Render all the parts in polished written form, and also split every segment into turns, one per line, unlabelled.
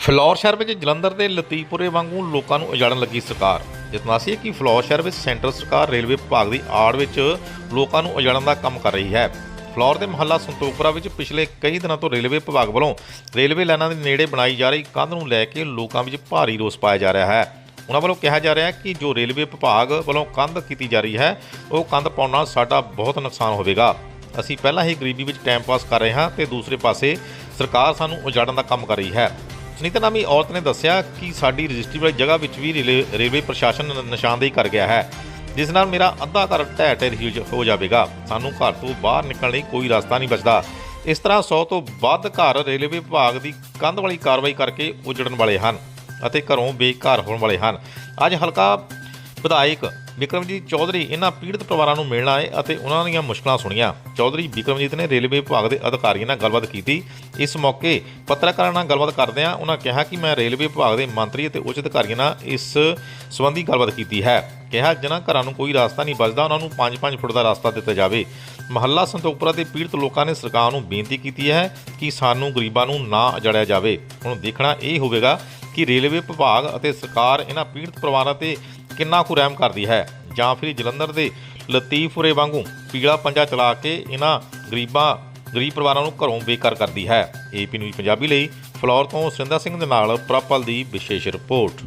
ਫਿਲੌਰ ਸ਼ਹਿਰ ਵਿੱਚ ਜਲੰਧਰ ਦੇ ਲਤੀਫਪੁਰੇ ਵਾਂਗੂ ਲੋਕਾਂ ਨੂੰ ਉਜਾੜਨ ਲੱਗੀ ਸਰਕਾਰ। ਜਿਤਨਾ ਸੀ ਕਿ ਫਿਲੌਰ ਸ਼ਹਿਰ ਵਿੱਚ ਸੈਂਟਰ ਸਰਕਾਰ ਰੇਲਵੇ ਵਿਭਾਗ ਦੀ ਆੜ ਵਿੱਚ ਲੋਕਾਂ ਨੂੰ ਉਜਾੜਨ ਦਾ ਕੰਮ ਕਰ ਰਹੀ ਹੈ। ਫਿਲੌਰ ਦੇ ਮੁਹੱਲਾ ਸੰਤੋਖਪੁਰਾ ਵਿੱਚ ਪਿਛਲੇ ਕਈ ਦਿਨਾਂ ਤੋਂ ਰੇਲਵੇ ਵਿਭਾਗ ਵੱਲੋਂ ਰੇਲਵੇ ਲਾਈਨਾਂ ਦੇ ਨੇੜੇ ਬਣਾਈ ਜਾ ਰਹੀ ਕੰਧ ਨੂੰ ਲੈ ਕੇ ਲੋਕਾਂ ਵਿੱਚ ਭਾਰੀ ਰੋਸ ਪਾਇਆ ਜਾ ਰਿਹਾ ਹੈ। ਉਹਨਾਂ ਵੱਲੋਂ ਕਿਹਾ ਜਾ ਰਿਹਾ ਹੈ ਕਿ ਜੋ ਰੇਲਵੇ ਵਿਭਾਗ ਵੱਲੋਂ ਕੰਧ ਕੀਤੀ ਜਾ ਰਹੀ ਹੈ ਉਹ ਕੰਧ ਪਾਉਣ ਨਾਲ ਸਾਡਾ ਬਹੁਤ ਨੁਕਸਾਨ ਹੋਵੇਗਾ। ਅਸੀਂ ਪਹਿਲਾਂ ਹੀ ਗਰੀਬੀ ਵਿੱਚ ਟਾਈਮ ਪਾਸ ਕਰ ਰਹੇ ਹਾਂ ਤੇ ਦੂਸਰੇ ਪਾਸੇ ਸਰਕਾਰ ਸਾਨੂੰ ਉਜਾੜਨ ਦਾ ਕੰਮ ਕਰ ਰਹੀ ਹੈ। ਸੁਨੀਤਾ ਨਾਮੀ ਔਰਤ ਨੇ ਦੱਸਿਆ ਕਿ ਸਾਡੀ ਰਜਿਸਟਰੀ ਵਾਲੀ ਜਗ੍ਹਾ ਵਿੱਚ ਵੀ ਰੇਲਵੇ ਪ੍ਰਸ਼ਾਸਨ ਨਿਸ਼ਾਨਦੇਹੀ ਕਰ ਗਿਆ ਹੈ, ਜਿਸ ਨਾਲ ਮੇਰਾ ਅੱਧਾ ਘਰ ਢਹਿ ਢੇਰੀ ਹੋ ਜਾਵੇਗਾ। ਸਾਨੂੰ ਘਰ ਤੋਂ ਬਾਹਰ ਨਿਕਲਣ ਲਈ ਕੋਈ ਰਸਤਾ ਨਹੀਂ ਬਚਦਾ। ਇਸ ਤਰ੍ਹਾਂ 100 ਤੋਂ ਵੱਧ ਘਰ ਰੇਲਵੇ ਵਿਭਾਗ ਦੀ ਕੰਧ ਵਾਲੀ ਕਾਰਵਾਈ ਕਰਕੇ ਉਜੜਨ ਵਾਲੇ ਹਨ ਅਤੇ ਘਰੋਂ ਬੇਘਰ ਹੋਣ ਵਾਲੇ ਹਨ। ਅੱਜ ਹਲਕਾ ਵਿਧਾਇਕ ਬਿਕਰਮਜੀਤ ਚੌਧਰੀ ਇਹਨਾਂ ਪੀੜਤ ਪਰਿਵਾਰਾਂ ਨੂੰ ਮਿਲਣ ਆਏ ਅਤੇ ਉਹਨਾਂ ਦੀਆਂ ਮੁਸ਼ਕਲਾਂ ਸੁਣੀਆਂ। ਚੌਧਰੀ ਬਿਕਰਮਜੀਤ ਨੇ ਰੇਲਵੇ ਵਿਭਾਗ ਦੇ ਅਧਿਕਾਰੀਆਂ ਨਾਲ ਗੱਲਬਾਤ ਕੀਤੀ। ਇਸ ਮੌਕੇ ਪੱਤਰਕਾਰਾਂ ਨਾਲ ਗੱਲਬਾਤ ਕਰਦਿਆਂ ਉਹਨਾਂ ਕਿਹਾ ਕਿ ਮੈਂ ਰੇਲਵੇ ਵਿਭਾਗ ਦੇ ਮੰਤਰੀ ਅਤੇ ਉੱਚ ਅਧਿਕਾਰੀਆਂ ਨਾਲ ਇਸ ਸੰਬੰਧੀ ਗੱਲਬਾਤ ਕੀਤੀ ਹੈ। ਕਿਹਾ ਜਿਨ੍ਹਾਂ ਘਰਾਂ ਨੂੰ ਕੋਈ ਰਸਤਾ ਨਹੀਂ ਬਚਦਾ ਉਹਨਾਂ ਨੂੰ 5-5 ਫੁੱਟ ਦਾ ਰਸਤਾ ਦਿੱਤਾ ਜਾਵੇ। ਮੁਹੱਲਾ ਸੰਤੋਖਪੁਰਾ ਦੇ ਪੀੜਤ ਲੋਕਾਂ ਨੇ ਸਰਕਾਰ ਨੂੰ ਬੇਨਤੀ ਕੀਤੀ ਹੈ ਕਿ ਸਾਨੂੰ ਗਰੀਬਾਂ ਨੂੰ ਨਾ ਉਜਾੜਿਆ ਜਾਵੇ। ਹੁਣ ਦੇਖਣਾ ਇਹ ਹੋਵੇਗਾ ਕਿ ਰੇਲਵੇ ਵਿਭਾਗ ਅਤੇ ਸਰਕਾਰ ਇਹਨਾਂ ਪੀੜਤ ਪਰਿਵਾਰਾਂ 'ਤੇ ਕਿੰਨਾ ਕੁ ਰਹਿਮ ਕਰਦੀ ਹੈ ਜਾਂ ਫਿਰ ਜਲੰਧਰ ਦੇ ਲਤੀਫਪੁਰੇ ਵਾਂਗੂ ਪੀਲਾ ਪੰਜਾ ਚਲਾ ਕੇ ਇਹਨਾਂ ਗਰੀਬ ਪਰਿਵਾਰਾਂ ਨੂੰ ਘਰੋਂ ਬੇਘਰ ਕਰਦੀ ਹੈ। ਏਪੀ ਨਿਊਜ਼ ਪੰਜਾਬੀ ਲਈ ਫਲੋਰ ਤੋਂ ਸੁਰਿੰਦਰ ਸਿੰਘ ਦੇ ਨਾਲ ਪ੍ਰਪਲ ਦੀ ਵਿਸ਼ੇਸ਼ ਰਿਪੋਰਟ।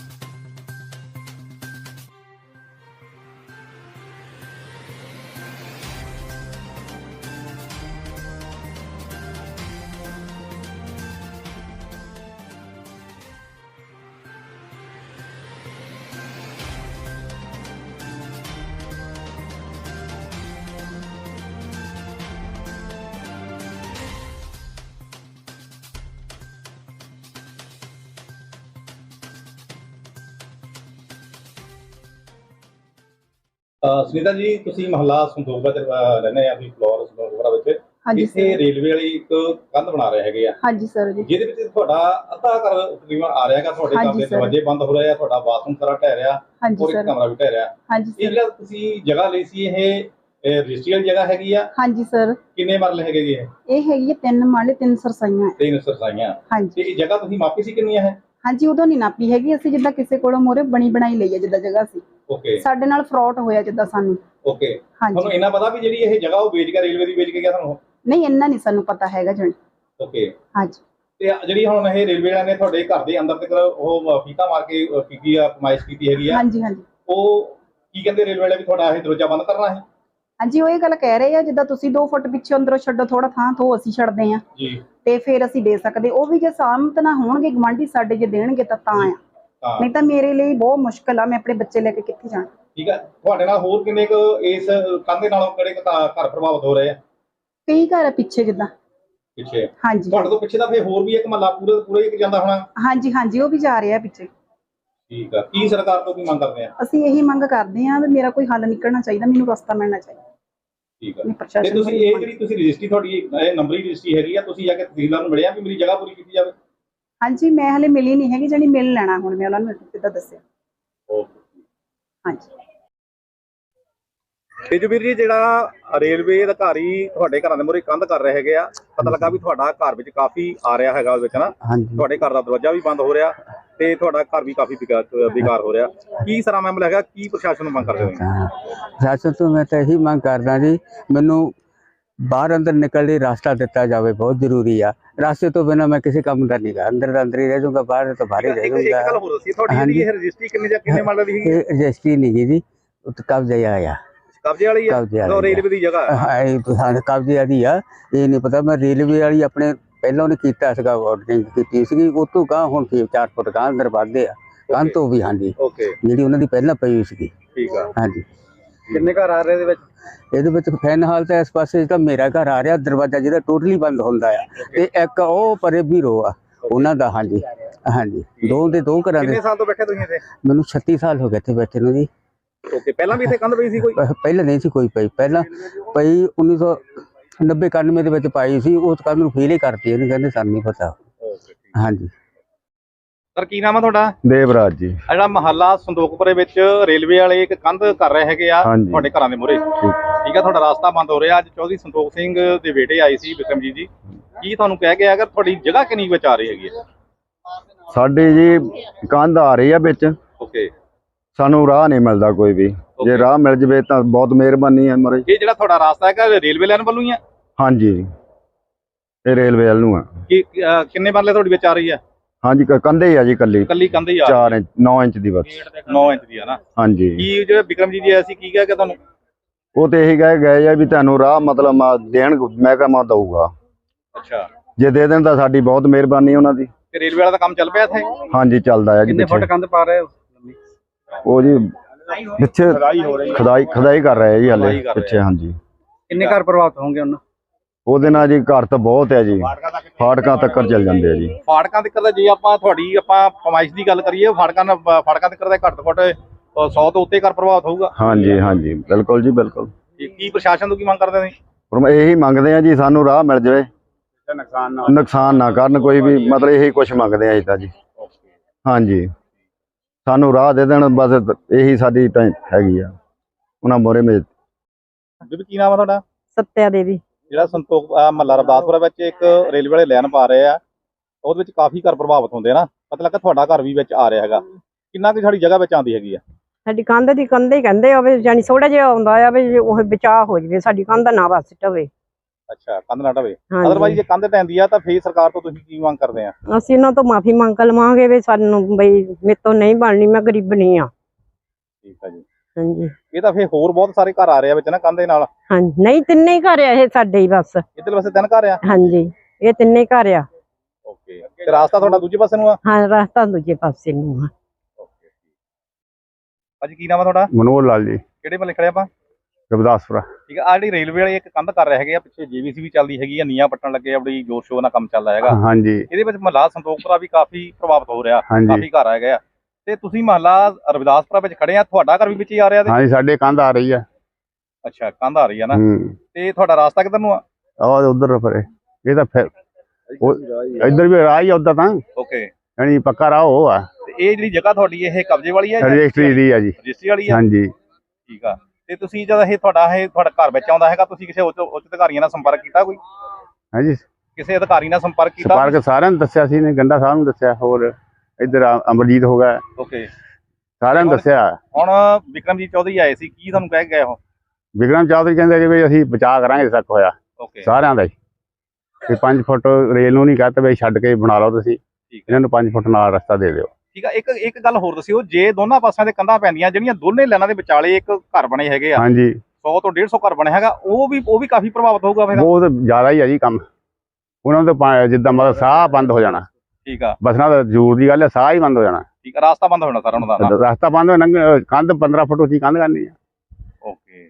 ਸੁਨੀਤਾ ਜੀ, ਤੁਸੀਂ ਮਹੱਲਾ ਸੰਤੋਖਪੁਰਾ ਚ ਰਹਿੰਦੇ ਆ ਵੀ ਫਲੋਰ ਸੰਤੋਖਪੁਰਾ ਵਿੱਚ ਇੱਥੇ ਰੇਲਵੇ ਵਾਲੀ ਇੱਕ ਕੰਧ ਬਣਾ ਰਹੇ ਹੈਗੇ ਆ।
ਹਾਂਜੀ ਸਰ ਜੀ। ਜਿਹਦੇ
ਵਿੱਚ ਤੁਹਾਡਾ ਅੱਧਾ ਘਰ ਤਕਰੀਬਨ ਆ ਰਿਹਾ ਹੈਗਾ, ਤੁਹਾਡੇ ਘਰ ਦੇ ਦਰਵਾਜ਼ੇ ਬੰਦ ਹੋ ਰਹੇ ਆ, ਤੁਹਾਡਾ ਬਾਥਰੂਮ ਸਾਰਾ ਢਹਿ ਰਿਹਾ ਔਰ ਇੱਕ ਕਮਰਾ ਵੀ ਢਹਿ ਰਿਹਾ। ਇਹ ਜਿਹੜਾ ਤੁਸੀਂ ਜਗ੍ਹਾ ਲਈ ਸੀ ਇਹ ਰਜਿਸਟਰੀ ਵਾਲੀ ਜਗ੍ਹਾ ਹੈਗੀ ਆ?
ਹਾਂਜੀ ਸਰ।
ਕਿੰਨੇ ਮਰਲੇ ਹੈਗੇ ਜੀ
ਇਹ ਹੈਗੀ 3 ਮਰਲੇ 3 ਸਰਸਾਈਆਂ।
3 ਸਰਸਾਈਆਂ।
ਹਾਂਜੀ।
ਤੇ ਇਹ ਜਗ੍ਹਾ ਤੁਸੀਂ ਮਾਪੀ ਸੀ ਕਿੰਨੀ ਹੈ?
ਹਾਂਜੀ, ਉਦੋਂ ਨਹੀਂ ਨਾਪੀ ਹੈਗੀ, ਅਸੀਂ ਜਿੱਦਾਂ ਕਿਸੇ ਕੋਲੋਂ ਮੋਰੇ ਬਣੀ ਬਣਾਈ ਲਈ ਹੈ ਜਿੱਦਾਂ ਜਗ੍ਹਾ ਸੀ।
ਓਕੇ।
ਸਾਡੇ ਨਾਲ ਫਰਾਡ ਹੋਇਆ ਜਿੱਦਾਂ ਸਾਨੂੰ।
ਓਕੇ। ਤੁਹਾਨੂੰ ਇਹਨਾਂ ਪਤਾ ਵੀ ਜਿਹੜੀ ਇਹ ਜਗ੍ਹਾ ਉਹ ਵੇਚ ਕੇ ਰੇਲਵੇ ਦੀ ਵੇਚ ਕੇ ਗਿਆ ਤੁਹਾਨੂੰ?
ਨਹੀਂ, ਇੰਨਾ ਨਹੀਂ ਸਾਨੂੰ ਪਤਾ ਹੈਗਾ ਜਣ।
ਓਕੇ।
ਹਾਂਜੀ।
ਤੇ ਜਿਹੜੀ ਹੁਣ ਇਹ ਰੇਲਵੇ ਵਾਲਿਆਂ ਨੇ ਤੁਹਾਡੇ ਘਰ ਦੇ ਅੰਦਰ ਤੱਕ ਉਹ ਫੀਤਾ ਮਾਰ ਕੇ ਕੀਤੀ ਆ, ਕਮਾਇਸ਼ ਕੀਤੀ ਹੈਗੀ ਆ?
ਹਾਂਜੀ ਹਾਂਜੀ।
ਉਹ ਕੀ ਕਹਿੰਦੇ ਰੇਲਵੇ ਵਾਲੇ ਵੀ ਤੁਹਾਡਾ ਇਹ ਦਰਵਾਜ਼ਾ ਬੰਦ ਕਰਨਾ ਹੈ?
ਹਾਂਜੀ, ਉਹ ਇਹ ਗੱਲ ਕਹਿ ਰਹੇ ਆ ਜਿੱਦਾਂ ਤੁਸੀਂ 2 ਫੁੱਟ ਪਿੱਛੇ ਅੰਦਰੋਂ ਛੱਡੋ ਥੋੜਾ ਥਾਂ ਤੋਂ ਅਸੀਂ ਛੱਡਦੇ ਆ
ਜੀ
ਤੇ ਫਿਰ ਅਸੀਂ ਦੇ ਸਕਦੇ। ਉਹ ਵੀ ਜੇ ਸਾਹਮਤ ਨਾ ਹੋਣਗੇ ਗਵਾਂਢੀ ਸਾਡੇ ਜੇ ਦੇਣਗੇ ਤਾਂ ਆ, ਨਹੀਂ ਤਾਂ ਮੇਰੇ ਲਈ ਬਹੁਤ ਮੁਸ਼ਕਲ ਆ। ਮੈਂ ਆਪਣੇ ਬੱਚੇ ਲੈ ਕੇ ਕਿੱਥੇ ਜਾਣਾ?
ਠੀਕ ਹੈ। ਤੁਹਾਡੇ ਨਾਲ ਹੋਰ ਕਿੰਨੇ ਕੁ ਇਸ ਕੰਧ ਦੇ ਨਾਲੋਂ ਕਿਹੜੇ ਘਰ ਪ੍ਰਭਾਵਿਤ ਹੋ ਰਹੇ ਆ?
ਕਈ ਘਰ ਆ ਪਿੱਛੇ ਜਿੱਦਾਂ
ਪਿੱਛੇ।
ਹਾਂਜੀ।
ਤੁਹਾਡੇ ਤੋਂ ਪਿੱਛੇ ਤਾਂ ਫੇਰ ਹੋਰ ਵੀ ਇੱਕ ਮਹੱਲਾ ਪੂਰਾ ਹੀ ਜਾਂਦਾ ਹੋਣਾ?
ਹਾਂਜੀ ਹਾਂਜੀ, ਉਹ ਵੀ ਜਾ ਰਿਹਾ ਪਿੱਛੇ।
ਠੀਕ ਆ। ਕੀ ਸਰਕਾਰ ਤੋਂ ਕੀ ਮੰਗ ਕਰਦੇ ਆ?
ਅਸੀਂ ਇਹੀ ਮੰਗ ਕਰਦੇ ਆ ਵੀ ਮੇਰਾ ਕੋਈ ਹੱਲ ਨਿਕਲਣਾ ਚਾਹੀਦਾ, ਮੈਨੂੰ ਰਸਤਾ ਮਿਲਣਾ ਚਾਹੀਦਾ।
ਠੀਕ ਆ। ਤੇ ਤੁਸੀਂ ਇਹ ਜਿਹੜੀ ਤੁਸੀਂ ਰਜਿਸਟਰੀ ਤੁਹਾਡੀ ਨੰਬਰੀ ਰਜਿਸਟਰੀ ਹੈਗੀ ਆ, ਤੁਸੀਂ ਜਾ ਕੇ ਤਹਿਸੀਲਦਾਰ ਨੂੰ ਮਿਲਿਆ ਵੀ ਮੇਰੀ ਜਗ੍ਹਾ ਪੂਰੀ ਕੀਤੀ ਜਾਵੇ? ਹਾਂਜੀ,
ਮੈਂ ਹਲੇ ਮਿਲੀ ਨਹੀਂ ਹੈਗੀ, ਜਾਨੀ ਮਿਲ ਲੈਣਾ ਹੁਣ ਮੈਂ ਉਹਨਾਂ ਨੂੰ ਕਿੱਦਾਂ ਦੱਸਿਆ।
ਓਕੇ।
ਹਾਂਜੀ।
ਤੇਜਵੀਰ ਜੀ, ਜਿਹੜਾ ਰੇਲਵੇ ਅਧਿਕਾਰੀ ਤੁਹਾਡੇ ਘਰਾਂ ਦੇ ਮੂਹਰੇ ਕੰਧ ਕਰ ਰਹੇ ਹੈਗੇ ਆ, ਪਤਾ ਲੱਗਾ ਵੀ ਤੁਹਾਡਾ ਘਰ ਵਿੱਚ ਕਾਫੀ ਆ ਰਿਹਾ ਹੈਗਾ ਉਹਦੇ ਵਿੱਚ ਨਾ? ਤੁਹਾਡੇ ਘਰ ਦਾ ਦਰਵਾਜ਼ਾ ਵੀ ਬੰਦ ਹੋ ਰਿਹਾ ਤੇ ਤੁਹਾਡਾ ਘਰ ਵੀ ਕਾਫੀ ਬੇਕਾਰ ਹੋ ਰਿਹਾ। ਕੀ ਸਾਰਾ ਮਾਮਲਾ ਹੈਗਾ? ਕੀ ਪ੍ਰਸ਼ਾਸਨ ਨੂੰ ਮੰਗ ਕਰਦੇ ਹੋ?
ਪ੍ਰਸ਼ਾਸਨ ਤੋਂ ਮੈਂ ਤਾਂ ਇਹੀ ਮੰਗ ਕਰਦਾ ਜੀ, ਮੈਨੂੰ ਬਾਹਰ ਅੰਦਰ ਨਿਕਲਣ ਲਈ ਰਾਸਤਾ ਦਿੱਤਾ ਜਾਵੇ, ਬਹੁਤ ਜ਼ਰੂਰੀ ਆ। ਰਾਸਤੇ ਤੋਂ ਬਿਨਾਂ ਮੈਂ ਕਿਸੇ ਕੰਮ ਦਾ ਨਹੀਂ ਗਾ, ਅੰਦਰ ਦਾ ਅੰਦਰ ਹੀ ਰਹਿ ਜਾਊਗਾ, ਬਾਹਰ ਤੋਂ ਬਾਹਰ ਹੀ ਰਹਿ ਜਾਊਗਾ।
ਇੱਕ ਗੱਲ ਹੋਰ ਦੱਸੀ, ਤੁਹਾਡੀ ਜਿਹੜੀ ਇਹ ਰਜਿਸਟਰੀ ਕਿੰਨੇ ਮਰਲੇ ਦੀ ਹੈਗੀ?
ਇਹ ਰਜਿਸਟਰੀ ਨਹੀਂ ਗੀ ਜੀ, ਕਬਜ਼ੇ ਆਇਆ।
ਕਬਜ਼ੇ ਵਾਲੀ ਆ? ਰੇਲਵੇ ਦੀ ਜਗ੍ਹਾ
ਹਾਂ, ਕਬਜ਼ੇ ਵਾਲੀ ਆ। ਇਹ ਨਹੀਂ ਪਤਾ, ਮੈਂ ਰੇਲਵੇ ਵਾਲੀ ਆਪਣੇ ਪਹਿਲਾਂ ਉਹਨੇ ਕੀਤਾ ਸੀਗਾ, ਆਰਡਰਿੰਗ ਕੀਤੀ ਸੀਗੀ, ਉਹ ਤੋਂ ਗਾਂ ਹੁਣ 4 ਫੁੱਟ ਗਾਂ ਅੰਦਰ ਵੱਧਦੇ ਆ ਕੰਧ ਤੋਂ ਵੀ। ਹਾਂਜੀ, ਜਿਹੜੀ ਉਹਨਾਂ ਦੀ ਪਹਿਲਾਂ ਪਈ ਸੀਗੀ।
ਠੀਕ ਆ।
ਹਾਂਜੀ।
ਕਿੰਨੇ ਘਰ ਆ ਰਹੇ ਇਹਦੇ ਵਿੱਚ?
ਇਹਦੇ ਵਿੱਚ ਫਿਲਹਾਲ ਤਾਂ ਇਸ ਪਾਸੇ ਤਾਂ ਮੇਰਾ ਘਰ ਆ ਰਿਹਾ, ਦਰਵਾਜ਼ਾ ਜਿਹੜਾ ਟੋਟਲੀ ਬੰਦ ਹੁੰਦਾ ਆ, ਤੇ ਇੱਕ ਉਹ ਪਰੇ ਵੀ ਰੋ ਆ ਉਹਨਾਂ ਦਾ। ਹਾਂਜੀ ਹਾਂਜੀ, 2 ਘਰਾਂ ਦੇ।
ਕਿੰਨੇ ਸਾਲ ਤੋਂ ਬੈਠੇ ਤੁਸੀਂ ਇੱਥੇ?
ਮੈਨੂੰ 36 ਸਾਲ ਹੋ ਗਏ ਇੱਥੇ ਬੈਠੇ ਨੂੰ ਜੀ।
ਓਕੇ। ਪਹਿਲਾਂ ਵੀ ਇੱਥੇ ਕੰਧ ਪਈ ਸੀ ਕੋਈ?
ਪਹਿਲਾਂ ਨਹੀਂ ਸੀ ਕੋਈ ਪਈ, ਪਹਿਲਾਂ ਪਈ 1990-91 ਦੇ ਵਿੱਚ ਪਾਈ ਸੀ। ਉਸ ਕੰਧ ਨੂੰ ਫੇਲ ਹੀ ਕਰਤੀ, ਇਹਨੂੰ ਕਹਿੰਦੇ ਸਾਨੂੰ ਨਹੀਂ ਪਤਾ। ਹਾਂਜੀ।
ਸਰ, ਕੀ ਨਾਮ ਆ ਤੁਹਾਡਾ?
ਦੇਵਰਾਜ ਜੀ।
ਜਿਹੜਾ ਮਹੱਲਾ ਸੰਤੋਖਪੁਰੇ ਵਿੱਚ ਰੇਲਵੇ ਵਾਲੇ ਇੱਕ ਕੰਧ ਕਰ ਰਹੇ ਹੈਗੇ ਆ ਤੁਹਾਡੇ ਘਰਾਂ ਦੇ ਮੂਹਰੇ, ਠੀਕ ਆ, ਤੁਹਾਡਾ ਰਾਸਤਾ ਬੰਦ ਹੋ ਰਿਹਾ। ਅੱਜ ਚੌਧਰੀ ਸੰਤੋਖ ਸਿੰਘ ਦੇ ਬੇਟੇ ਆਏ ਸੀ ਬਿਕਰਮਜੀਤ ਜੀ, ਕੀ ਤੁਹਾਨੂੰ ਕਹਿ ਕੇ ਅਗਰ ਤੁਹਾਡੀ ਜਗ੍ਹਾ ਕਿੰਨੀ ਵਿਚ ਆ ਰਹੀ ਹੈਗੀ ਹੈ?
ਸਾਡੀ ਜੀ ਕੰਧ ਆ ਰਹੀ ਆ ਵਿੱਚ,
ਓਕੇ।
ਸਾਨੂੰ ਰਾਹ ਨਹੀਂ ਮਿਲਦਾ ਕੋਈ ਵੀ। ਜੇ ਰਾਹ ਮਿਲ ਜਵੇ ਤਾਂ ਬਹੁਤ ਮਿਹਰਬਾਨੀ ਹੈ ਮਹਾਰਾਜ।
ਇਹ ਜਿਹੜਾ ਤੁਹਾਡਾ ਰਾਸਤਾ ਹੈਗਾ ਰੇਲਵੇ ਲਾਈਨ ਵੱਲੋਂ ਹੀ ਆ?
ਹਾਂਜੀ, ਇਹ ਰੇਲਵੇ ਵੱਲ ਨੂੰ ਆ।
ਕਿੰਨੇ ਮਰਲੇ ਤੁਹਾਡੀ ਵਿੱਚ ਆ ਰਹੀ ਆ?
ਹਾਂਜੀ, ਕੰਧੇ ਹੀ ਆ ਜੀ, ਕੱਲੀ
ਕੰਧ ਹੀ ਆ?
4 ਇੰਚ 9 ਇੰਚ ਦੀ ਬਸ।
9 ਇੰਚ ਦੀ ਆ ਨਾ?
ਹਾਂਜੀ।
ਕੀ ਜਿਹੜੇ ਵਿਕਰਮਜੀਤ ਜੀ ਆਏ ਸੀ ਕੀ ਕਹਿ ਕੇ ਤੁਹਾਨੂੰ?
ਉਹ ਤੇ ਇਹੀ ਕਹਿ ਗਏ ਆ ਵੀ ਤੁਹਾਨੂੰ ਰਾਹ ਮਤਲਬ ਦੇਣ, ਮੈਂ ਕਹਾਂ ਦਊਗਾ।
ਅੱਛਾ।
ਜੇ ਦੇ ਦੇਣ ਤਾਂ ਸਾਡੀ ਬਹੁਤ ਮਿਹਰਬਾਨੀ ਉਹਨਾਂ ਦੀ।
ਤੇ ਰੇਲਵੇ ਵਾਲਾ ਦਾ ਕੰਮ ਚੱਲ ਪਿਆ ਇੱਥੇ?
ਹਾਂਜੀ, ਚੱਲਦਾ ਹੈ ਜੀ।
ਕਿੰਨੇ ਫੁੱਟ ਕੰਧ ਪਾ ਰਹੇ ਹੋ?
ਉਹ ਜੀ ਪਿੱਛੇ ਖੁਦਾਈ ਕਰ ਰਹੇ ਜੀ ਹਾਲੇ ਪਿੱਛੇ। ਹਾਂਜੀ।
ਕਿੰਨੇ ਘਰ ਪ੍ਰਭਾਵਿਤ ਹੋਣਗੇ ਉਹਨਾਂ?
ਉਹਦੇ ਨਾਲ ਜੀ ਘਰ ਤਾਂ ਬਹੁਤ ਹੈ ਜੀ, ਫਾਟਕਾਂ ਤੱਕ ਚੱਲ ਜਾਂਦੇ ਆ ਜੀ।
ਫਾਟਕਾਂ ਤੱਕ ਦਾ ਜੇ ਆਪਾਂ ਫਰਮਾਇਸ਼ ਦੀ ਗੱਲ ਕਰੀਏ, ਫਾਟਕਾਂ ਤੱਕ ਦਾ ਘੱਟ ਤੋਂ ਘੱਟ 100 ਤੋਂ ਉੱਤੇ ਘਰ ਪ੍ਰਭਾਵਿਤ ਹੋਊਗਾ।
ਹਾਂਜੀ ਹਾਂਜੀ, ਬਿਲਕੁਲ ਜੀ, ਬਿਲਕੁਲ।
ਕੀ ਪ੍ਰਸ਼ਾਸਨ ਤੋਂ ਕੀ ਮੰਗ ਕਰਦੇ ਨੇ?
ਇਹੀ ਮੰਗਦੇ ਆ ਜੀ, ਸਾਨੂੰ ਰਾਹ ਮਿਲ ਜਾਵੇ, ਨੁਕਸਾਨ ਨਾ ਕਰਨ ਕੋਈ ਵੀ, ਮਤਲਬ ਇਹੀ ਕੁਛ ਮੰਗਦੇ ਆ ਜੀ ਤਾਂ ਜੀ। ਹਾਂਜੀ, ਸਾਨੂੰ ਰਾਹ ਦੇ ਦੇਣ ਬਸ, ਇਹੀ ਸਾਡੀ ਹੈਗੀ ਆ ਉਹਨਾਂ ਮੋਰੇ ਮੇਜ।
ਬੀਬੀ ਕੀ ਨਾਮ ਆ ਤੁਹਾਡਾ?
ਸੱਤਿਆ ਦੇਵੀ।
ਜਿਹੜਾ ਸੰਤੋਖ ਮਹੱਲਾ ਰਵਿਦਾਸਪੁਰਾ ਵਿੱਚ ਇੱਕ ਰੇਲਵੇ ਵਾਲੇ ਲਾਈਨ ਪਾ ਰਹੇ ਆ, ਉਹਦੇ ਵਿੱਚ ਕਾਫੀ ਘਰ ਪ੍ਰਭਾਵਿਤ ਹੁੰਦੇ ਆ ਨਾ, ਪਤਾ ਲੱਗਾ ਤੁਹਾਡਾ ਘਰ ਵੀ ਵਿੱਚ ਆ ਰਿਹਾ ਹੈਗਾ। ਕਿੰਨਾ ਕੁ ਸਾਡੀ ਜਗ੍ਹਾ ਵਿੱਚ ਆਉਂਦੀ ਹੈਗੀ ਆ?
ਸਾਡੀ ਕੰਧ ਦੀ ਕੰਧ ਹੀ ਕਹਿੰਦੇ ਆ ਵੀ, ਜਾਨੀ ਥੋੜਾ ਜਿਹਾ ਆਉਂਦਾ ਆ ਵੀ ਉਹ ਬਚਾਅ ਹੋ ਜਵੇ, ਸਾਡੀ ਕੰਧ ਨਾ ਬਸ ਢਵੇ।
ਅੱਛਾ, ਕੰਧ ਨਾ ਢਵੇ। ਅਦਰਵਾਈਜ਼ ਜੇ ਕੰਧ ਢਹਿੰਦੀ ਆ ਤਾਂ ਫੇਰ ਸਰਕਾਰ ਤੋਂ ਤੁਸੀਂ ਕੀ ਮੰਗ ਕਰਦੇ ਆ?
ਅਸੀਂ ਉਹਨਾਂ ਤੋਂ ਮਾਫੀ ਮੰਗ ਲਵਾਂਗੇ ਵੀ ਸਾਨੂੰ ਬਈ ਮੇਰੇ ਤੋਂ ਨਹੀਂ ਬਣਨੀ, ਮੈਂ ਗਰੀਬਣੀ ਆ।
ਠੀਕ ਆ ਜੀ।
ਹਾਂਜੀ।
ਇਹ ਤਾਂ ਫੇਰ ਹੋਰ ਬਹੁਤ ਸਾਰੇ ਘਰ ਆ ਰਹੇ ਆ ਵਿੱਚ ਨਾ ਕੰਧ ਦੇ ਨਾਲ?
ਹਾਂਜੀ, ਨਹੀਂ ਤਿੰਨੇ ਹੀ ਘਰ ਆ ਇਹ ਸਾਡੇ ਹੀ ਬਸ।
ਇੱਧਰ ਪਾਸੇ 3 ਘਰ ਆ?
ਹਾਂਜੀ, ਇਹ ਤਿੰਨੇ ਹੀ ਘਰ ਆ।
ਓਕੇ। ਤੇ ਰਾਸਤਾ ਤੁਹਾਡਾ ਦੂਜੇ ਪਾਸੇ ਨੂੰ ਆ?
ਹਾਂ, ਰਸਤਾ ਦੂਜੇ ਪਾਸੇ ਨੂੰ ਆ।
ਓਕੇ। ਭਾਜੀ ਕੀ ਨਾਮ ਆ ਤੁਹਾਡਾ?
ਮਨੋਹਰ ਲਾਲ ਜੀ।
ਕਿਹੜੇ ਮਹੱਲੇ ਖੜੇ ਆਪਾਂ?
ਰਵਿਦਾਸਪੁਰਾ।
ਠੀਕ ਆ। ਜਿਹੜੀ ਰੇਲਵੇ ਵਾਲੇ ਇੱਕ ਕੰਧ ਕਰ ਰਹੇ ਹੈਗੇ ਆ, ਪਿੱਛੇ ਜੀਵੀਸੀ ਵੀ ਚੱਲਦੀ ਹੈਗੀ ਆ, ਨੀਆਂ ਪੱਟਣ ਲੱਗੇ ਆ, ਬੜੀ ਜੋਰ ਸ਼ੋਰ ਨਾਲ ਕੰਮ ਚੱਲਦਾ ਹੈਗਾ।
ਹਾਂਜੀ।
ਇਹਦੇ ਵਿੱਚ ਮਹੱਲਾ ਸੰਤੋਖਪੁਰਾ ਵੀ ਕਾਫੀ ਪ੍ਰਭਾਵਿਤ ਹੋ ਰਿਹਾ, ਕਾਫੀ ਘਰ ਹੈਗੇ ਆ, ਤੇ ਤੁਸੀਂ ਮਹੱਲਾ ਰਵਿਦਾਸਪੁਰਾ ਵਿੱਚ ਖੜੇ ਆ, ਤੁਹਾਡਾ ਘਰ ਵੀ ਵਿੱਚ ਹੀ ਆ ਰਿਹਾ?
ਹਾਂਜੀ, ਸਾਡੇ ਕੰਧ ਆ ਰਹੀ ਆ।
ਅੱਛਾ, ਕੰਧ ਆ ਰਹੀ ਆ ਨਾ? ਤੇ ਤੁਹਾਡਾ ਰਾਸਤਾ ਕਿੱਧਰ ਨੂੰ ਆ?
ਉਧਰ ਫਿਰ ਇਹ ਤਾਂ ਫਿਰ ਇੱਧਰ ਵੀ ਰਾਹ ਹੀ ਆ ਉਦਾਂ ਤਾਂ।
ਓਕੇ।
ਯਾਨੀ ਪੱਕਾ ਰਾਹ ਉਹ ਆ।
ਤੇ ਇਹ ਜਿਹੜੀ ਜਗ੍ਹਾ ਤੁਹਾਡੀ ਇਹ ਕਬਜ਼ੇ ਵਾਲੀ ਹੈ?
ਰਜਿਸਟਰੀ ਦੀ ਆ ਜੀ।
ਰਜਿਸਟਰੀ ਵਾਲੀ ਆ?
ਹਾਂਜੀ।
ਠੀਕ ਆ। ਤੇ ਤੁਸੀਂ ਜਦ ਇਹ ਤੁਹਾਡਾ ਘਰ ਵਿੱਚ ਆਉਂਦਾ ਹੈਗਾ, ਤੁਸੀਂ ਕਿਸੇ ਉੱਚ ਅਧਿਕਾਰੀਆਂ ਨਾਲ ਸੰਪਰਕ ਕੀਤਾ ਕੋਈ?
ਹਾਂਜੀ,
ਕਿਸੇ ਅਧਿਕਾਰੀ ਨਾਲ ਸੰਪਰਕ ਕੀਤਾ?
ਸੰਪਰਕ ਸਾਰਿਆਂ ਨੂੰ ਦੱਸਿਆ ਸੀ ਨੇ, ਗੰਡਾ ਸਾਹਿਬ ਨੂੰ ਦੱਸਿਆ, ਹੋਰ ਇੱਧਰ ਅਮਰਜੀਤ ਹੋ ਗਿਆ।
ਓਕੇ।
ਸਾਰਿਆਂ ਨੂੰ ਦੱਸਿਆ।
ਹੁਣ ਵਿਕਰਮਜੀਤ ਚੌਧਰੀ ਆਏ ਸੀ, ਕੀ ਤੁਹਾਨੂੰ ਕਹਿ ਗਏ ਉਹ?
ਵਿਕਰਮ ਚੌਧਰੀ ਕਹਿੰਦੇ ਕਿ ਵੀ ਅਸੀਂ ਬਚਾਅ ਕਰਾਂਗੇ ਤੱਕ ਹੋਇਆ ਸਾਰਿਆਂ ਦਾ ਹੀ, ਵੀ 5 ਫੁੱਟ ਰੇਲ ਨੂੰ ਨਹੀਂ ਕਹਤੇ ਵੀ ਛੱਡ ਕੇ ਬਣਾ ਲਓ ਤੁਸੀਂ, ਇਹਨਾਂ ਨੂੰ 5 ਫੁੱਟ ਨਾਲ ਰਸਤਾ ਦੇ ਦਿਓ।
ਠੀਕ ਆ। ਇੱਕ ਗੱਲ ਹੋਰ ਦੱਸਿਓ, ਜੇ ਦੋਨਾਂ ਪਾਸਿਆਂ ਦੇ ਕੰਧਾਂ ਪੈਂਦੀਆਂ, ਜਿਹੜੀਆਂ ਦੋਨੇ ਲਾਈਨਾਂ ਦੇ ਵਿਚਾਲੇ ਇੱਕ ਘਰ ਬਣੇ ਹੈਗੇ ਆ,
ਹਾਂਜੀ,
100 ਤੋਂ 150 ਘਰ ਬਣਿਆ ਹੈਗਾ, ਉਹ ਵੀ ਕਾਫੀ ਪ੍ਰਭਾਵਿਤ ਹੋਊਗਾ ਫਿਰ?
ਬਹੁਤ ਜ਼ਿਆਦਾ ਹੀ ਆ ਜੀ ਕੰਮ। ਉਹਨਾਂ ਨੂੰ ਤਾਂ ਜਿੱਦਾਂ ਮਤਲਬ ਸਾਹ ਬੰਦ ਹੋ ਜਾਣਾ।
ਠੀਕ ਆ।
ਬਸਣਾ ਤਾਂ ਜ਼ਰੂਰ ਦੀ ਗੱਲ ਹੈ, ਸਾਹ ਹੀ ਬੰਦ ਹੋ ਜਾਣਾ।
ਠੀਕ ਆ। ਰਾਸਤਾ ਬੰਦ ਹੋ ਜਾਣਾ ਸਾਰਾ ਉਹਨਾਂ ਦਾ?
ਰਸਤਾ ਬੰਦ ਹੋ ਜਾਣਾ, ਕੰਧ 15 ਫੁੱਟ ਉੱਚੀ ਕੰਧ ਕਰਨੀ ਆ।
ਓਕੇ।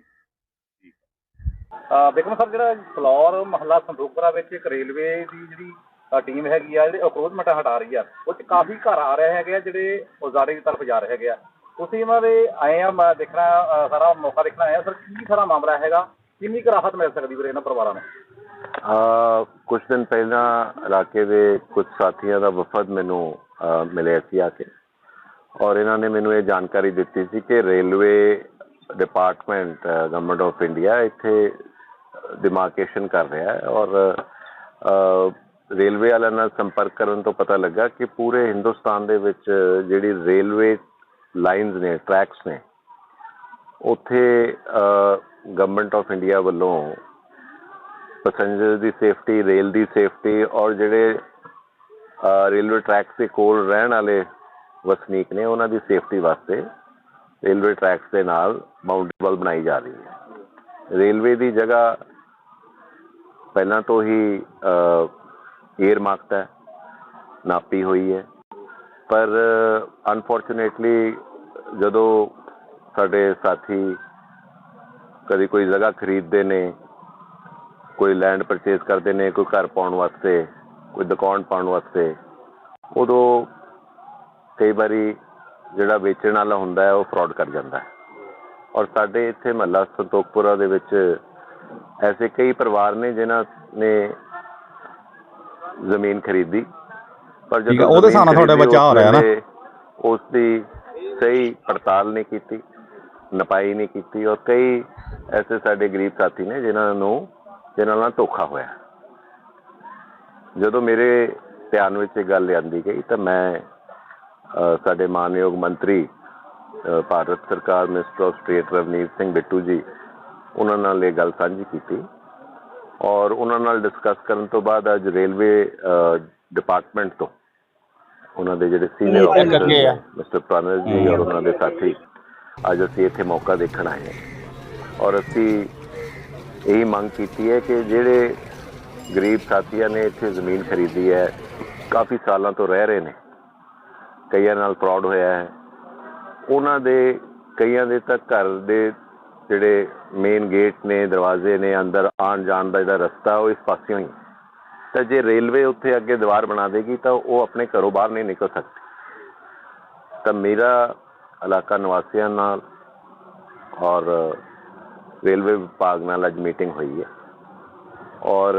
ਵਿਕਰਮ ਸਰ, ਜਿਹੜਾ ਫਲੋਰ ਮਹੱਲਾ ਸੰਤੋਖਪੁਰਾ ਵਿੱਚ ਇੱਕ ਰੇਲਵੇ ਦੀ ਜਿਹੜੀ ਟੀਮ ਹੈਗੀ ਆ, ਜਿਹੜੀ ਅਕਰੋਚਮੈਂਟ ਹਟਾ ਰਹੀ ਆ, ਉਹ 'ਚ ਕਾਫੀ ਘਰ ਆ ਰਹੇ ਹੈਗੇ ਆ ਜਿਹੜੇ ਉਜਾੜੇ ਦੀ ਤਰਫ ਜਾ ਰਹੇ ਹੈਗੇ ਆ, ਤੁਸੀਂ ਇਹਨਾਂ ਦੇ ਆਏ ਆ ਦੇਖਣਾ, ਸਾਰਾ ਮੌਕਾ ਦੇਖਣਾ ਆਇਆ ਸਰ, ਕੀ ਸਾਰਾ ਮਾਮਲਾ ਹੈਗਾ, ਕਿੰਨੀ ਕੁ ਰਾਹਤ ਮਿਲ ਸਕਦੀ ਵੀਰੇ ਇਹਨਾਂ ਪਰਿਵਾਰਾਂ ਨੂੰ?
ਕੁਝ ਦਿਨ ਪਹਿਲਾਂ ਇਲਾਕੇ ਦੇ ਕੁਝ ਸਾਥੀਆਂ ਦਾ ਵਫਦ ਮੈਨੂੰ ਮਿਲਿਆ ਸੀ ਆ ਕੇ, ਔਰ ਇਹਨਾਂ ਨੇ ਮੈਨੂੰ ਇਹ ਜਾਣਕਾਰੀ ਦਿੱਤੀ ਸੀ ਕਿ railway department government of India ਇੱਥੇ ਡਿਮਾਰਕੇਸ਼ਨ ਕਰ ਰਿਹਾ ਹੈ, ਔਰ ਰੇਲਵੇ ਵਾਲਿਆਂ ਨਾਲ ਸੰਪਰਕ ਕਰਨ ਤੋਂ ਪਤਾ ਲੱਗਾ ਕਿ ਪੂਰੇ ਹਿੰਦੁਸਤਾਨ ਦੇ ਵਿੱਚ ਜਿਹੜੀ ਰੇਲਵੇ ਲਾਈਨਸ ਨੇ, ਟਰੈਕਸ ਨੇ, ਉੱਥੇ ਗਵਰਨਮੈਂਟ ਆਫ ਇੰਡੀਆ ਵੱਲੋਂ ਪੈਸੰਜਰ ਦੀ ਸੇਫਟੀ, ਰੇਲ ਦੀ ਸੇਫਟੀ, ਔਰ ਜਿਹੜੇ ਰੇਲਵੇ ਟਰੈਕਸ ਦੇ ਕੋਲ ਰਹਿਣ ਵਾਲੇ ਵਸਨੀਕ ਨੇ ਉਹਨਾਂ ਦੀ ਸੇਫਟੀ ਵਾਸਤੇ ਰੇਲਵੇ ਟਰੈਕਸ ਦੇ ਨਾਲ ਬਾਉਂਡਰੀ ਵਾਲ ਬਣਾਈ ਜਾ ਰਹੀ ਹੈ। ਰੇਲਵੇ ਦੀ ਜਗ੍ਹਾ ਪਹਿਲਾਂ ਤੋਂ ਹੀ ਏਅਰ ਮਾਰਕਡ ਹੈ, ਨਾਪੀ ਹੋਈ ਹੈ, ਪਰ ਅਨਫੋਰਚੂਨੇਟਲੀ ਜਦੋਂ ਸਾਡੇ ਸਾਥੀ ਕਦੀ ਕੋਈ ਜਗ੍ਹਾ ਖਰੀਦਦੇ ਨੇ, ਕੋਈ ਲੈਂਡ ਪਰਚੇਜ਼ ਕਰਦੇ ਨੇ, ਕੋਈ ਘਰ ਪਾਉਣ ਵਾਸਤੇ, ਕੋਈ ਦੁਕਾਨ ਪਾਉਣ ਵਾਸਤੇ, ਉਦੋਂ ਕਈ ਵਾਰੀ ਜਿਹੜਾ ਵੇਚਣ ਵਾਲਾ ਹੁੰਦਾ ਹੈ ਉਹ ਫਰਾਡ ਕਰ ਜਾਂਦਾ ਹੈ। ਔਰ ਸਾਡੇ ਇੱਥੇ ਮਹੱਲਾ ਸੰਤੋਖਪੁਰਾ ਦੇ ਵਿੱਚ ਐਸੇ ਕਈ ਪਰਿਵਾਰ ਨੇ ਜਿਨ੍ਹਾਂ ਨੇ ਜ਼ਮੀਨ ਖਰੀਦੀ, ਪਰ ਜਦੋਂ ਉਹਦੇ ਹਿਸਾਬ ਨਾਲ ਤੁਹਾਡੇ ਬਚਾਅ ਹੋ ਰਿਹਾ ਨਾ, ਉਸ ਦੀ ਸਹੀ ਪੜਤਾਲ ਨਹੀਂ ਕੀਤੀ, ਨਪਾਈ ਨਹੀਂ ਕੀਤੀ, ਔਰ ਕਈ ਐਸੇ ਸਾਡੇ ਗਰੀਬ ਸਾਥੀ ਨੇ ਜਿਨ੍ਹਾਂ ਨਾਲ ਧੋਖਾ ਹੋਇਆ। ਜਦੋਂ ਮੇਰੇ ਧਿਆਨ ਵਿੱਚ ਇਹ ਗੱਲ ਲਿਆਂਦੀ ਗਈ ਤਾਂ ਮੈਂ ਸਾਡੇ ਮਾਨਯੋਗ ਮੰਤਰੀ ਭਾਰਤ ਸਰਕਾਰ minister of state Ravneet Singh Bittu ji ਉਹਨਾਂ ਨਾਲ ਇਹ ਗੱਲ ਸਾਂਝੀ ਕੀਤੀ ਔਰ ਉਹਨਾਂ ਨਾਲ ਡਿਸਕਸ ਕਰਨ ਤੋਂ ਬਾਅਦ ਅੱਜ ਰੇਲਵੇ ਡਿਪਾਰਟਮੈਂਟ ਤੋਂ ਉਹਨਾਂ ਦੇ ਜਿਹੜੇ ਸੀਨੀਅਰ ਆਫੀਸਰ ਮਿਸਟਰ ਪ੍ਰਨਜ ਜੀ ਔਰ ਉਹਨਾਂ ਦੇ ਸਾਥੀ ਅੱਜ ਅਸੀਂ ਇੱਥੇ ਮੌਕਾ ਦੇਖਣ ਆਏ ਹਾਂ ਔਰ ਅਸੀਂ ਇਹੀ ਮੰਗ ਕੀਤੀ ਹੈ ਕਿ ਜਿਹੜੇ ਗਰੀਬ ਸਾਥੀਆਂ ਨੇ ਇੱਥੇ ਜ਼ਮੀਨ ਖਰੀਦੀ ਹੈ, ਕਾਫੀ ਸਾਲਾਂ ਤੋਂ ਰਹਿ ਰਹੇ ਨੇ, ਕਈਆਂ ਨਾਲ ਫਰਾਡ ਹੋਇਆ ਹੈ, ਉਹਨਾਂ ਦੇ ਕਈਆਂ ਦੇ ਤਾਂ ਘਰ ਦੇ ਜਿਹੜੇ ਮੇਨ ਗੇਟ ਨੇ, ਦਰਵਾਜ਼ੇ ਨੇ, ਅੰਦਰ ਆਉਣ ਜਾਣ ਦਾ ਜਿਹੜਾ ਰਸਤਾ ਉਹ ਇਸ ਪਾਸਿਓਂ ਹੀ, ਤਾਂ ਜੇ ਰੇਲਵੇ ਉੱਥੇ ਅੱਗੇ ਦੀਵਾਰ ਬਣਾ ਦੇਗੀ ਤਾਂ ਉਹ ਆਪਣੇ ਘਰੋਂ ਬਾਹਰ ਨਹੀਂ ਨਿਕਲ ਸਕਦੇ। ਤਾਂ ਮੇਰਾ ਇਲਾਕਾ ਨਿਵਾਸੀਆਂ ਨਾਲ ਔਰ ਰੇਲਵੇ ਵਿਭਾਗ ਨਾਲ ਅੱਜ ਮੀਟਿੰਗ ਹੋਈ ਹੈ ਔਰ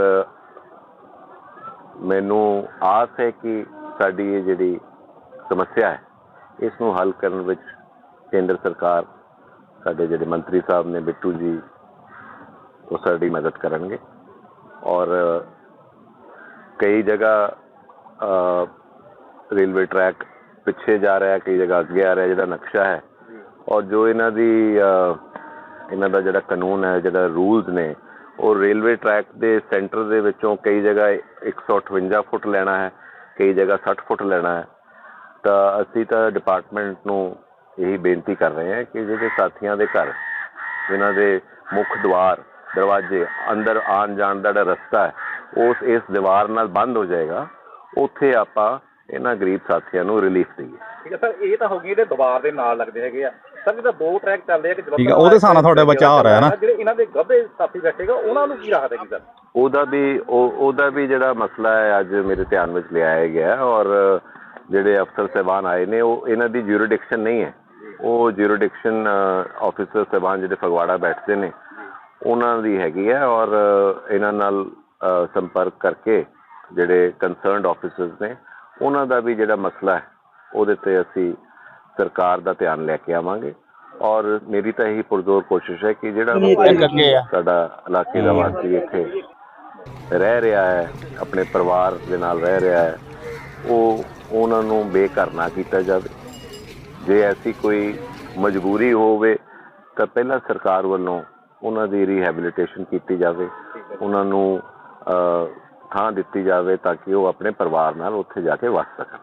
ਮੈਨੂੰ ਆਸ ਹੈ ਕਿ ਸਾਡੀ ਇਹ ਜਿਹੜੀ ਸਮੱਸਿਆ ਹੈ ਇਸ ਨੂੰ ਹੱਲ ਕਰਨ ਵਿੱਚ ਕੇਂਦਰ ਸਰਕਾਰ, ਸਾਡੇ ਜਿਹੜੇ ਮੰਤਰੀ ਸਾਹਿਬ ਨੇ ਬਿੱਟੂ ਜੀ, ਉਹ ਸਾਡੀ ਮਦਦ ਕਰਨਗੇ ਔਰ ਕਈ ਜਗ੍ਹਾ ਰੇਲਵੇ ਟਰੈਕ ਪਿੱਛੇ ਜਾ ਰਿਹਾ, ਕਈ ਜਗ੍ਹਾ ਅੱਗੇ ਆ ਰਿਹਾ, ਜਿਹੜਾ ਨਕਸ਼ਾ ਹੈ ਔਰ ਜੋ ਇਹਨਾਂ ਦਾ ਜਿਹੜਾ ਕਾਨੂੰਨ ਹੈ, ਜਿਹੜਾ ਰੂਲਸ ਨੇ, ਉਹ ਰੇਲਵੇ ਟਰੈਕ ਦੇ ਸੈਂਟਰ ਦੇ ਵਿੱਚੋਂ ਕਈ ਜਗ੍ਹਾ 158 ਫੁੱਟ ਲੈਣਾ ਹੈ, ਕਈ ਜਗ੍ਹਾ 60 ਫੁੱਟ ਲੈਣਾ ਹੈ। ਤਾਂ ਅਸੀਂ ਤਾਂ ਡਿਪਾਰਟਮੈਂਟ ਨੂੰ ਇਹੀ ਬੇਨਤੀ ਕਰ ਰਹੇ ਹਾਂ ਕਿ ਜਿਹੜੇ ਸਾਥੀਆਂ ਦੇ ਘਰ ਜਿਨ੍ਹਾਂ ਦੇ ਮੁੱਖ ਦਰਵਾਜ਼ੇ ਅੰਦਰ ਆਉਣ ਜਾਣ ਦਾ ਜਿਹੜਾ ਰਸਤਾ ਹੈ ਇਸ ਦੀਵਾਰ ਨਾਲ ਬੰਦ ਹੋ ਜਾਏਗਾ, ਉੱਥੇ ਆਪਾਂ ਇਹਨਾਂ ਗਰੀਬ ਸਾਥੀਆਂ ਨੂੰ ਰਿਲੀਫ ਦੇਈਏ।
ਠੀਕ ਹੈ ਸਰ, ਇਹ ਤਾਂ ਹੋ ਗਈ ਇਹਦੇ ਦੀਵਾਰ ਦੇ ਨਾਲ ਲੱਗਦੇ ਹੈਗੇ ਆ ਸਰ, ਜਿਹਦਾ 2 ਟਰੈਕ ਚੱਲਦੇ ਆ ਕਿ
ਠੀਕ ਹੈ, ਉਹਦੇ ਹਿਸਾਬ ਨਾਲ ਤੁਹਾਡਾ ਬਚਾਅ ਹੋ ਰਿਹਾ ਹੈ ਨਾ।
ਜਿਹੜੇ ਇਹਨਾਂ ਦੇ ਗੱਭੇ ਸਾਥੀ ਬੈਠੇਗਾ ਉਹਨਾਂ ਨੂੰ ਕੀ ਰਾਹਤ ਹੈਗੀ ਸਰ?
ਉਹਦਾ ਵੀ ਜਿਹੜਾ ਮਸਲਾ ਹੈ ਅੱਜ ਮੇਰੇ ਧਿਆਨ ਵਿੱਚ ਲਿਆਇਆ ਗਿਆ ਔਰ ਜਿਹੜੇ ਅਫਸਰ ਸਾਹਿਬਾਨ ਆਏ ਨੇ ਉਹ ਇਹਨਾਂ ਦੀ ਜਿਊਰਿਡਿਕਸ਼ਨ ਨਹੀਂ ਹੈ, ਉਹ ਜਿਊਰਿਡਿਕਸ਼ਨ ਆਫਿਸਰ ਸਾਹਿਬਾਨ ਜਿਹੜੇ ਫਗਵਾੜਾ ਬੈਠਦੇ ਨੇ ਉਹਨਾਂ ਦੀ ਹੈਗੀ ਹੈ ਔਰ ਇਹਨਾਂ ਨਾਲ ਸੰਪਰਕ ਕਰਕੇ ਜਿਹੜੇ ਕੰਸਰਨਡ ਆਫਿਸਰਸ ਨੇ ਉਹਨਾਂ ਦਾ ਵੀ ਜਿਹੜਾ ਮਸਲਾ ਹੈ ਉਹਦੇ 'ਤੇ ਅਸੀਂ ਸਰਕਾਰ ਦਾ ਧਿਆਨ ਲੈ ਕੇ ਆਵਾਂਗੇ ਔਰ ਮੇਰੀ ਤਾਂ ਇਹੀ ਪੁਰਜ਼ੋਰ ਕੋਸ਼ਿਸ਼ ਹੈ ਕਿ ਜਿਹੜਾ ਸਾਡਾ ਇਲਾਕੇ ਦਾ ਵਾਸੀ ਇੱਥੇ ਰਹਿ ਰਿਹਾ ਹੈ, ਆਪਣੇ ਪਰਿਵਾਰ ਦੇ ਨਾਲ ਰਹਿ ਰਿਹਾ ਹੈ, ਉਹਨਾਂ ਨੂੰ ਬੇਘਰ ਨਾ ਕੀਤਾ ਜਾਵੇ। ਜੇ ਐਸੀ ਕੋਈ ਮਜਬੂਰੀ ਹੋਵੇ ਤਾਂ ਪਹਿਲਾਂ ਸਰਕਾਰ ਵੱਲੋਂ ਉਹਨਾਂ ਦੀ ਰੀਹੈਬਿਲਿਟੇਸ਼ਨ ਕੀਤੀ ਜਾਵੇ, ਉਹਨਾਂ ਨੂੰ ਥਾਂ ਦਿੱਤੀ ਜਾਵੇ ਤਾਂ ਕਿ ਉਹ ਆਪਣੇ ਪਰਿਵਾਰ ਨਾਲ ਉੱਥੇ ਜਾ ਕੇ ਵਸ ਸਕਣ।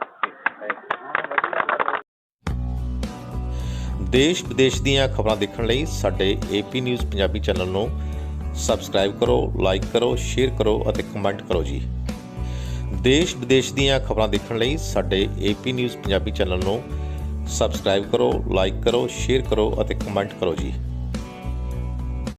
ਦੇਸ਼ ਵਿਦੇਸ਼ ਦੀਆਂ ਖਬਰਾਂ ਦੇਖਣ ਲਈ ਸਾਡੇ AP ਨਿਊਜ਼ ਪੰਜਾਬੀ ਚੈਨਲ ਨੂੰ ਸਬਸਕ੍ਰਾਈਬ ਕਰੋ, ਲਾਈਕ ਕਰੋ, ਸ਼ੇਅਰ ਕਰੋ ਅਤੇ ਕਮੈਂਟ ਕਰੋ ਜੀ। ਦੇਸ਼ ਵਿਦੇਸ਼ ਦੀਆਂ ਖਬਰਾਂ ਦੇਖਣ ਲਈ ਸਾਡੇ AP ਨਿਊਜ਼ ਪੰਜਾਬੀ ਚੈਨਲ ਨੂੰ ਸਬਸਕ੍ਰਾਈਬ ਕਰੋ, ਲਾਈਕ ਕਰੋ, ਸ਼ੇਅਰ ਕਰੋ ਅਤੇ ਕਮੈਂਟ ਕਰੋ ਜੀ।